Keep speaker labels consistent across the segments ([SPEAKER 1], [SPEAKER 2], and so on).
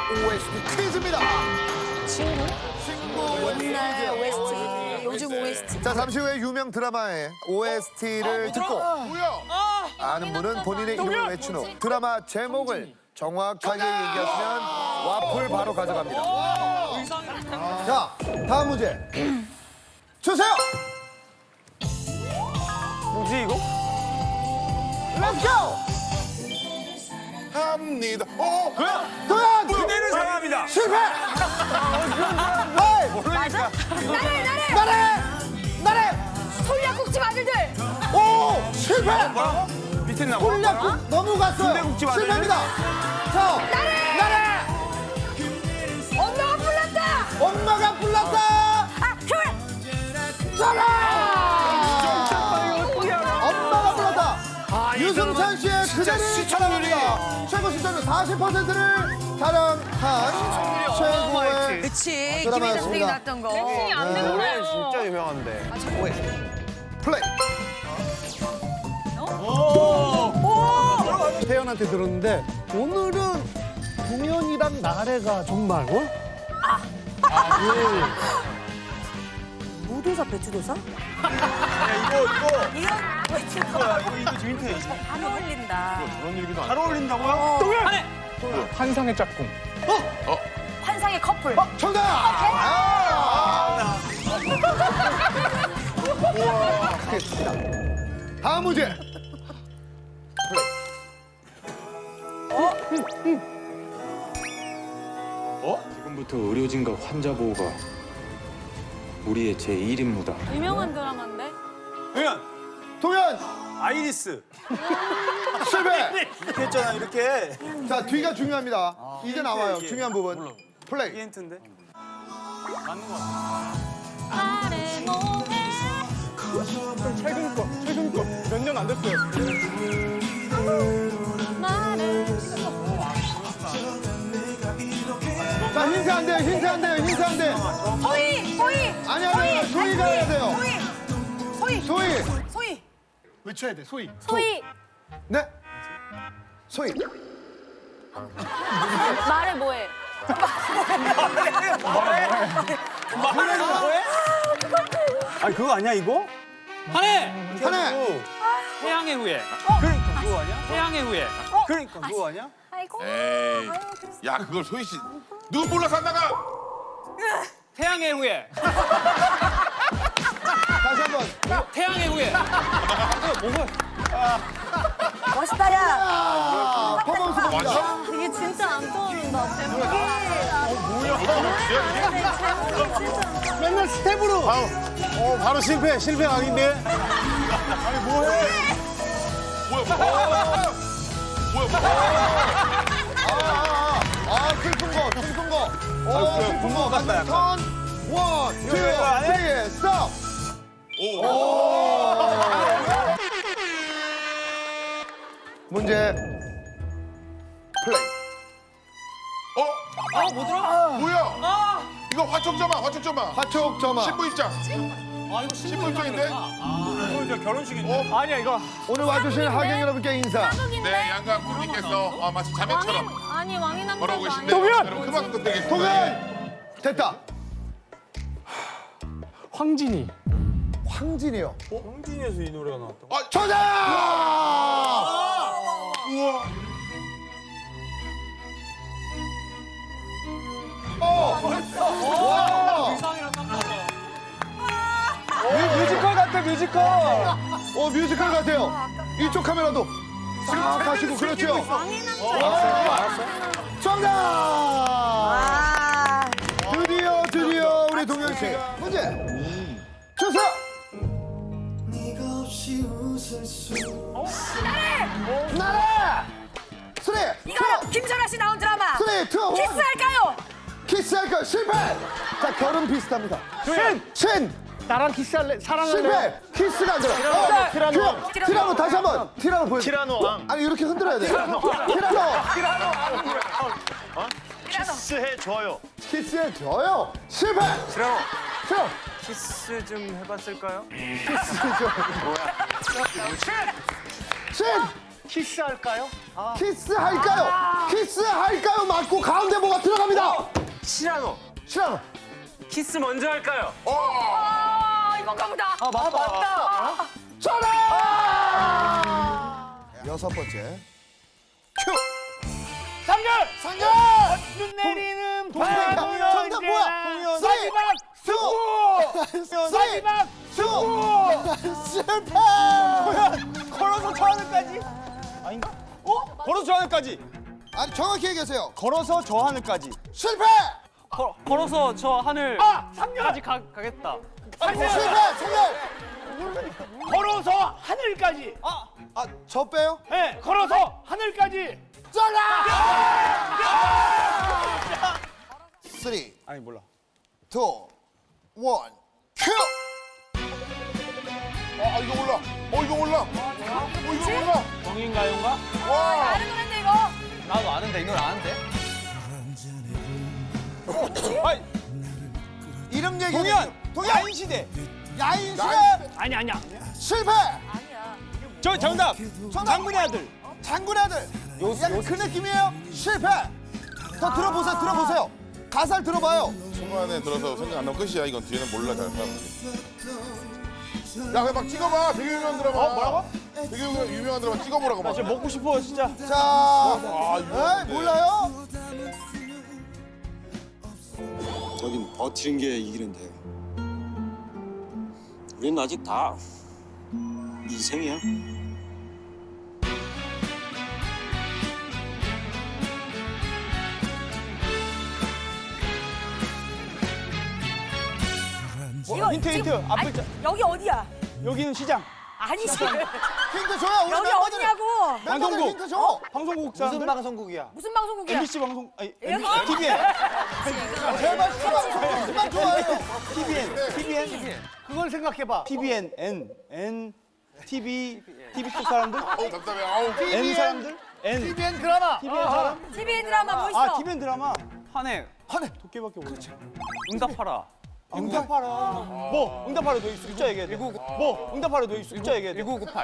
[SPEAKER 1] OST 퀴즈입니다.
[SPEAKER 2] 친구?
[SPEAKER 1] 친구
[SPEAKER 2] 옛날 OST, 요즘 OST.
[SPEAKER 1] 자, 잠시 후에 유명 드라마의 OST를 듣고 아는 분은 본인의 이름을 외친 후 드라마 제목을 정확하게 얘기하시면 와플 바로 가져갑니다. 자, 다음 문제 주세요.
[SPEAKER 3] 뭐지 이거?
[SPEAKER 1] Let's go.
[SPEAKER 4] 합니다.
[SPEAKER 1] 도현
[SPEAKER 3] 그대를 사랑합니다.
[SPEAKER 1] 실패.
[SPEAKER 2] 맞아?
[SPEAKER 1] 나래.
[SPEAKER 2] 솔약국집 아들들.
[SPEAKER 1] 오 실패.
[SPEAKER 3] 밑에 나와.
[SPEAKER 1] 콜략국 너무 갔어요.
[SPEAKER 3] 순대국집 아들.
[SPEAKER 1] 실패입니다. 자, 나래.
[SPEAKER 2] 엄마가 불렀다.
[SPEAKER 1] 엄마가 불렀다.
[SPEAKER 2] 아, 효율.
[SPEAKER 1] 전화. 엄마가 불렀다. 유승찬 씨의 그대를 사랑합니다. 최고 시청률 40%를 자랑한 최고의
[SPEAKER 2] 그치.
[SPEAKER 1] 드라마였습니다.
[SPEAKER 2] 김혜자 선생님이 나왔던 거. 땡싱이 안
[SPEAKER 3] 노래 진짜 유명한데.
[SPEAKER 1] 플레이.
[SPEAKER 5] 태연한테 들었는데 오늘은 동현이랑 나래가 정말
[SPEAKER 2] 무도사, 배추도사?
[SPEAKER 3] 이거
[SPEAKER 2] 이건 배추도사.
[SPEAKER 3] 이거 재밌네.
[SPEAKER 2] 안 어울린다.
[SPEAKER 3] 잘 어울린다고요? 동현.
[SPEAKER 5] 환상의 짝꿍.
[SPEAKER 2] 환상의 커플.
[SPEAKER 1] 정답. 크겠습니다. 다음 문제.
[SPEAKER 6] 지금부터 의료진과 환자 보호가 우리의 제1임무다.
[SPEAKER 7] 유명한 드라마인데?
[SPEAKER 3] 동현.
[SPEAKER 1] 동현
[SPEAKER 3] 아이리스.
[SPEAKER 1] 실패.
[SPEAKER 3] 이렇게 했잖아 이렇게.
[SPEAKER 1] 자, 뒤가 중요합니다. 이제 나와요.
[SPEAKER 3] 이게.
[SPEAKER 1] 중요한 부분.
[SPEAKER 3] 이
[SPEAKER 1] 플레이.
[SPEAKER 3] 힌트인데.
[SPEAKER 7] 아래 뭐해?
[SPEAKER 5] 최근 거 몇 년 안 됐어요.
[SPEAKER 7] 말해.
[SPEAKER 1] 자, 힌트 안 돼요. 힌트 안 돼요. 힌트 안 돼.
[SPEAKER 2] 소희.
[SPEAKER 1] 아니, 소희가 해야 돼요. 소희.
[SPEAKER 2] 소희.
[SPEAKER 5] 외쳐야 돼, 소희.
[SPEAKER 7] 소희.
[SPEAKER 1] 네. 소희.
[SPEAKER 7] 말해 뭐해?
[SPEAKER 3] 아니 그거 아니야 이거?
[SPEAKER 8] 한해!
[SPEAKER 1] 하나.
[SPEAKER 8] 태양의 후예.
[SPEAKER 3] 그러니까 그거 아니야?
[SPEAKER 8] 태양의 후예.
[SPEAKER 3] 그러니까 그거 아니야?
[SPEAKER 2] 아이고.
[SPEAKER 4] 에이. 야, 그걸 소희 씨. 누구 몰라서 안 나가?
[SPEAKER 8] 태양의 후예.
[SPEAKER 1] 다시 한 번.
[SPEAKER 8] 태양의 후예.
[SPEAKER 2] 멋있다, 야.
[SPEAKER 1] 아, 퍼포먼스 봅니다.
[SPEAKER 7] 이게 진짜 안 떠오른다. 제목이.
[SPEAKER 5] 맨날 스텝으로. 바로 실패 아닌데.
[SPEAKER 4] 아니, 뭐해? 뭐야.
[SPEAKER 1] 슬픈 거. 슬픈 거.
[SPEAKER 3] 같다, 약간.
[SPEAKER 1] 턴. 원, 투,
[SPEAKER 3] 이거 안 해?
[SPEAKER 1] 쓰리, 스톱. 문제 플레이.
[SPEAKER 4] 뭐야? 이거 화촉점화.
[SPEAKER 1] 화촉점화.
[SPEAKER 4] 신부 입장.
[SPEAKER 8] 아, 이거
[SPEAKER 4] 신부 입장인데?
[SPEAKER 8] 이거 저 결혼식인데?
[SPEAKER 5] 아니야 이거.
[SPEAKER 1] 오늘 와주신 하객 여러분께 인사.
[SPEAKER 4] 네, 양가 부님께서 마치 자매처럼
[SPEAKER 7] 아니 왕이 남자.
[SPEAKER 4] 걸어오고 계신데
[SPEAKER 5] 동현!
[SPEAKER 4] 여러분 그만큼 끝내겠습니다.
[SPEAKER 1] 동현! 됐다.
[SPEAKER 5] 황진이.
[SPEAKER 1] 황진이요.
[SPEAKER 3] 홍진이에서 이 노래가 나왔다.
[SPEAKER 1] 정답!
[SPEAKER 4] 우와.
[SPEAKER 1] 와!
[SPEAKER 8] 이상이랑 딱 맞아.
[SPEAKER 5] 뮤지컬 같아 뮤지컬.
[SPEAKER 1] 뮤지컬 같아요. 이쪽 카메라도 싹 가시고 그렇죠.
[SPEAKER 7] 왕이 남자.
[SPEAKER 1] 정답!
[SPEAKER 2] 아.
[SPEAKER 1] 드디어 우리 동현 씨가 문제 주세요. 나래! 쓰리,
[SPEAKER 2] 이거 김선아 씨 나온 드라마.
[SPEAKER 1] 쓰리, 투,
[SPEAKER 2] 키스할까요?
[SPEAKER 1] 키스할까 실패. 자, 결혼 비슷합니다. 신.
[SPEAKER 5] 나랑 키스할래? 사랑할래?
[SPEAKER 1] 실패. 키스가 안 들어. 티라노 다시 한번. 티라노 보여.
[SPEAKER 5] 티라노 왕.
[SPEAKER 1] 아니 이렇게 흔들어야 돼. 티라노.
[SPEAKER 5] 키스해줘요.
[SPEAKER 1] 키스해줘요. 실패.
[SPEAKER 3] 싫어.
[SPEAKER 1] 싫어.
[SPEAKER 3] 키스 좀 해봤을까요?
[SPEAKER 1] 키스해줘. 뭐야? 신.
[SPEAKER 5] 키스할까요?
[SPEAKER 1] 키스할까요? 키스할까요? 맞고 가운데 뭐가 들어갑니다.
[SPEAKER 6] 시라노.
[SPEAKER 1] 시라노.
[SPEAKER 6] 키스 먼저 할까요?
[SPEAKER 2] 이건가 보다.
[SPEAKER 1] 맞다. 전화. 여섯 번째. 큐.
[SPEAKER 5] 상결!
[SPEAKER 1] 상결.
[SPEAKER 5] 눈 내리는
[SPEAKER 1] 정답
[SPEAKER 5] 밤
[SPEAKER 1] 뭐야?
[SPEAKER 5] 사이박
[SPEAKER 1] 수.
[SPEAKER 5] 사이박
[SPEAKER 1] 실패.
[SPEAKER 5] 걸어서 저 하늘까지 아닌가? 걸어서 저 하늘까지
[SPEAKER 1] 아니 정확히 얘기하세요.
[SPEAKER 5] 걸어서 저 하늘까지
[SPEAKER 1] 실패.
[SPEAKER 8] 걸어서 저 하늘까지
[SPEAKER 5] 상결!
[SPEAKER 8] 가겠다.
[SPEAKER 1] 실패. 상결.
[SPEAKER 5] 걸어서 하늘까지
[SPEAKER 1] 저 빼요.
[SPEAKER 5] 네, 걸어서 하늘까지
[SPEAKER 1] 전화. 3, 2,
[SPEAKER 5] 아니 몰라
[SPEAKER 1] 1, 큐.
[SPEAKER 4] 이거 몰라. 이거 몰라. 이거 몰라.
[SPEAKER 8] 정인가요인가?
[SPEAKER 4] 와.
[SPEAKER 2] 다른 노래인데 이거.
[SPEAKER 8] 나도 아는데 이 노래 아는데?
[SPEAKER 5] 아니
[SPEAKER 1] 이름 얘기.
[SPEAKER 5] 동현 야인시대
[SPEAKER 1] 야인시대.
[SPEAKER 5] 아니야
[SPEAKER 1] 실패.
[SPEAKER 2] 아니야.
[SPEAKER 5] 저 정답 장군의 아들
[SPEAKER 1] 장군의 아들. 약간 그 느낌이에요. 실패. 더 들어보세요. 가사를 들어봐요.
[SPEAKER 4] 순간에 들어서 생각 안 나면 끝이야. 이건 뒤에는 몰라 잘 사람들이. 야, 그냥 막 찍어봐. 되게 유명한 드라마.
[SPEAKER 5] 뭐라고?
[SPEAKER 4] 되게 유명한 드라마 찍어보라고 막.
[SPEAKER 5] 진짜 먹고 싶어 진짜
[SPEAKER 1] 자,
[SPEAKER 4] 이거
[SPEAKER 1] 몰라요?
[SPEAKER 9] 여긴 버티는 게 이기는데 우린 아직 다 인생이야.
[SPEAKER 5] 힌트 앞에
[SPEAKER 2] 아니,
[SPEAKER 5] 자
[SPEAKER 2] 여기 어디야?
[SPEAKER 5] 여기는 시장
[SPEAKER 2] 아니지.
[SPEAKER 1] 힌트 줘요. 우리
[SPEAKER 2] 여기
[SPEAKER 1] 멤버들.
[SPEAKER 2] 어디냐고.
[SPEAKER 1] 멤버들
[SPEAKER 5] 방송국.
[SPEAKER 1] 힌트 줘.
[SPEAKER 5] 방송국 사람들
[SPEAKER 3] 방송국이야?
[SPEAKER 2] 무슨 방송국이야?
[SPEAKER 5] MBC 방송 아니
[SPEAKER 2] 여기
[SPEAKER 5] TVN
[SPEAKER 1] 제발 수만 좋아해요.
[SPEAKER 5] TVN 그걸 생각해봐 TVN N TV 쪽 사람들
[SPEAKER 4] 답답해. 아우.
[SPEAKER 5] N 사람들 N
[SPEAKER 1] TVN 드라마.
[SPEAKER 5] TVN 사람
[SPEAKER 2] TVN 드라마 뭐 있어?
[SPEAKER 5] 아 TVN 드라마
[SPEAKER 8] 한해
[SPEAKER 5] 도깨밖에 몰라
[SPEAKER 8] 응답하라.
[SPEAKER 5] 응답하라 뭐 응답하라 너 숫자 얘기해 뭐 응답하라 너 숫자 얘기해
[SPEAKER 8] 1998.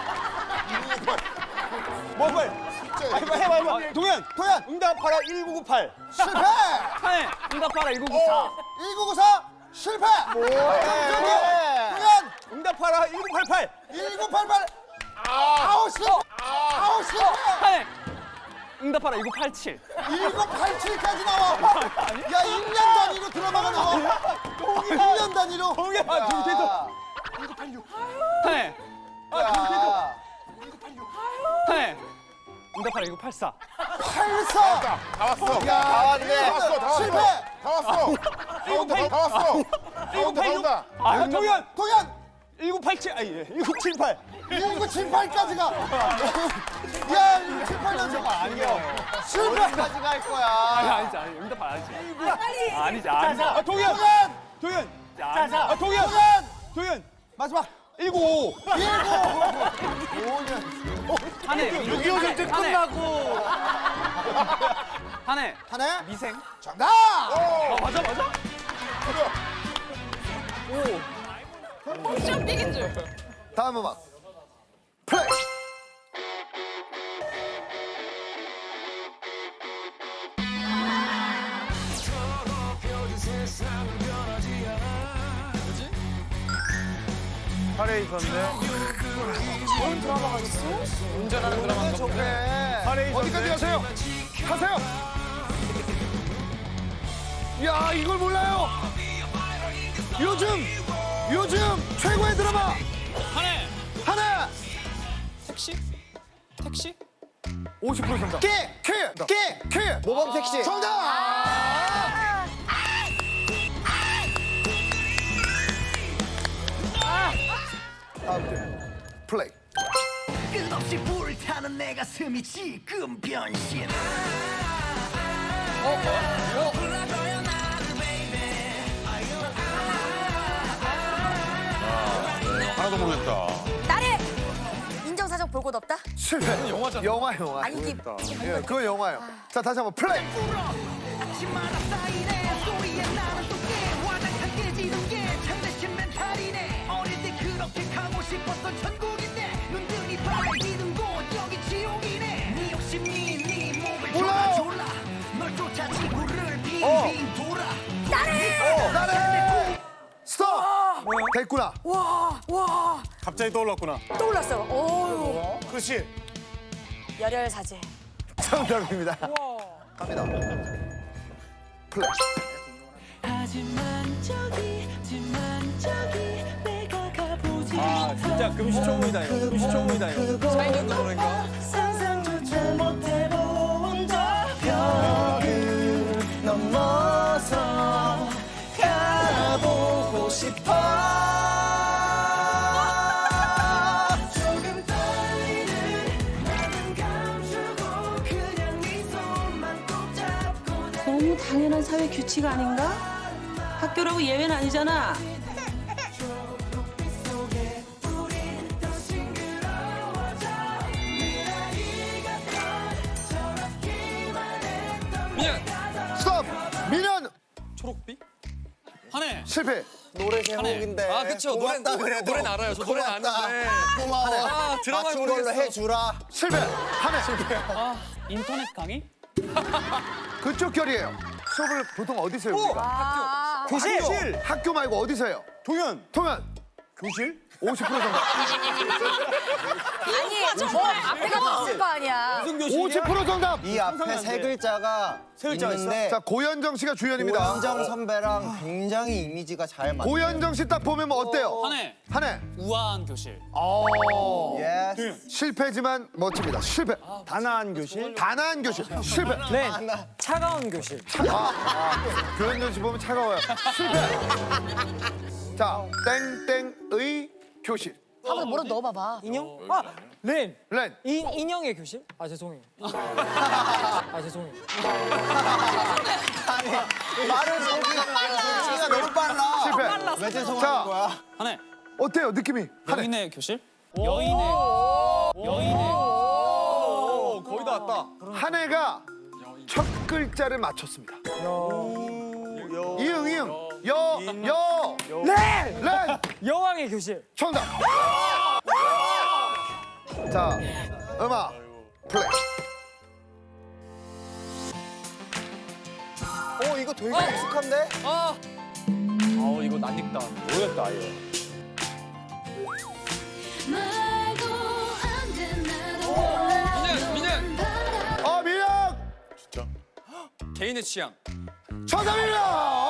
[SPEAKER 5] 뭐 빨리 해봐 동현 응답하라 1998
[SPEAKER 1] 실패.
[SPEAKER 8] 한해 응답하라 1994.
[SPEAKER 1] 1994 실패. 동현
[SPEAKER 5] 응답하라 1988
[SPEAKER 1] 1988. 아우 실패. 아우 실패.
[SPEAKER 8] 한해 응답하라 1987.
[SPEAKER 1] 1987까지 나와. 야 1년 단위로 드라마가 나와. 1년 단위로.
[SPEAKER 5] 동현 아
[SPEAKER 8] 한해
[SPEAKER 1] 야,
[SPEAKER 8] 한해 응답하라 1984.
[SPEAKER 1] 84.
[SPEAKER 4] 다 왔어.
[SPEAKER 1] 야,
[SPEAKER 4] 다 왔어.
[SPEAKER 1] 실패.
[SPEAKER 4] 다 왔어. 다 왔어. 나온다.
[SPEAKER 5] 아 동현
[SPEAKER 1] 동현
[SPEAKER 5] 1987 아니 1978
[SPEAKER 1] 1978까지 가. 야 1978년
[SPEAKER 5] 아니야
[SPEAKER 1] 실패까지 갈 거야.
[SPEAKER 8] 아니지 응답하라 아니지.
[SPEAKER 2] 빨리.
[SPEAKER 8] 아니지.
[SPEAKER 5] 아 동현
[SPEAKER 1] 동현
[SPEAKER 5] 아 동현 동현
[SPEAKER 1] 마지막
[SPEAKER 5] 195
[SPEAKER 8] 한해
[SPEAKER 5] 6.25 전쟁 끝나고
[SPEAKER 8] 한해
[SPEAKER 1] 하나
[SPEAKER 8] 미생.
[SPEAKER 1] 정답.
[SPEAKER 8] 맞아.
[SPEAKER 1] 다음 음악 플레이.
[SPEAKER 3] 카레 있었는데.
[SPEAKER 8] 운전하는 드라마인가 보네.
[SPEAKER 3] 카레 있었는데.
[SPEAKER 1] 어디까지 가세요? 가세요. 야 이걸 몰라요. 요즘 최고의 드라마
[SPEAKER 8] 한해
[SPEAKER 1] 하나.
[SPEAKER 8] 택시
[SPEAKER 1] 50% 정답. 키. 모범 택시. 정답. 다음 주 플레이.
[SPEAKER 10] 끝없이 불타는 내 가슴이 지금 변신.
[SPEAKER 4] 하나도 모르겠다.
[SPEAKER 2] 나를 인정사정 볼 곳 없다?
[SPEAKER 1] 실패. 영화잖아. 영화.
[SPEAKER 2] 아니 이게
[SPEAKER 1] 예, 그거 영화예요. 자 다시 한번 플레이.
[SPEAKER 10] 아침마다 쌓이네 소리에 나는 또 깨와장창 깨지는 게 참내신 멘탈이네. 어릴 때 그렇게 가고 싶었던 천국인데 눈등이 빨개지는 곳 여기 지옥이네. 네
[SPEAKER 1] 나래! 스톱! 됐구나.
[SPEAKER 5] 갑자기 떠올랐구나.
[SPEAKER 2] 떠올랐어. 오,
[SPEAKER 5] 그렇지.
[SPEAKER 2] 열혈사제.
[SPEAKER 1] 정답입니다. 갑니다. 플레이.
[SPEAKER 5] 아 진짜 금시초문이다 이거. 금시초문이다 이거.
[SPEAKER 8] 사인전도 노래인가?
[SPEAKER 5] 넘어서 가보고 싶어.
[SPEAKER 10] 조금 떨리는 맘은 감추고 그냥 네 손만 꼭 잡고
[SPEAKER 11] 너무 당연한 사회 규칙 아닌가? 학교라고 예외는 아니잖아.
[SPEAKER 8] 민현.
[SPEAKER 1] 스톱! 민현!
[SPEAKER 8] 초록빛? 한해.
[SPEAKER 1] 실패.
[SPEAKER 5] 노래 제목인데.
[SPEAKER 8] 아 그쵸. 노래는 알아요. 저 노래는 아는데.
[SPEAKER 5] 고마워.
[SPEAKER 8] 아 드라마
[SPEAKER 5] 맞춘 걸로
[SPEAKER 8] 모르겠어.
[SPEAKER 5] 해주라.
[SPEAKER 1] 실패. 한해.
[SPEAKER 8] 아 인터넷 강의?
[SPEAKER 1] 그쪽 결이에요. 수업을 보통 어디서 해요? 우리가?
[SPEAKER 2] 아,
[SPEAKER 5] 교실.
[SPEAKER 1] 학교 말고 어디서 해요?
[SPEAKER 5] 동현.
[SPEAKER 1] 통연.
[SPEAKER 5] 교실?
[SPEAKER 1] 50% 정답.
[SPEAKER 2] 아니, 저 앞에가 봤을 거 아니야.
[SPEAKER 5] 무슨 교실이야?
[SPEAKER 1] 50% 정답.
[SPEAKER 5] 이 앞에 세 글자가 있는데
[SPEAKER 1] 자, 고현정 씨가 주연입니다.
[SPEAKER 5] 고현정 선배랑 굉장히 이미지가 잘 맞아요.
[SPEAKER 1] 고현정 씨 딱 보면 뭐 어때요?
[SPEAKER 8] 한해.
[SPEAKER 1] 한해.
[SPEAKER 8] 우아한 교실.
[SPEAKER 5] 예스.
[SPEAKER 1] 실패지만 멋집니다. 실패.
[SPEAKER 5] 단아한 교실.
[SPEAKER 1] 단아한 교실. 실패.
[SPEAKER 5] 차가운 교실.
[SPEAKER 1] 고현정 씨 보면 차가워요. 실패. 자, 땡땡의 교실.
[SPEAKER 2] 한번 뭐라 넣어봐봐.
[SPEAKER 5] 인형? 아, 렌.
[SPEAKER 1] 렌.
[SPEAKER 5] 인형의 교실? 아 죄송해요. 죄송해요. 아니 말을 정리가 너무 빨라.
[SPEAKER 1] 실패.
[SPEAKER 5] 왜 죄송한
[SPEAKER 1] 자.
[SPEAKER 5] 거야?
[SPEAKER 8] 한해.
[SPEAKER 1] 어때요, 느낌이? 한해.
[SPEAKER 8] 여인의 교실? 여인의.
[SPEAKER 5] 거의 다 왔다.
[SPEAKER 1] 한해가 첫 글자를 맞췄습니다. 이응, 이응. 여. 렌!
[SPEAKER 5] 여왕의 교실.
[SPEAKER 1] 정답. 자, 음악 플레이.
[SPEAKER 5] 이거 되게 익숙한데?
[SPEAKER 8] 이거 낯익다.
[SPEAKER 5] 모르겠다 아예.
[SPEAKER 8] 민현.
[SPEAKER 1] 민혁!
[SPEAKER 8] 개인의 취향.
[SPEAKER 1] 정답입니다!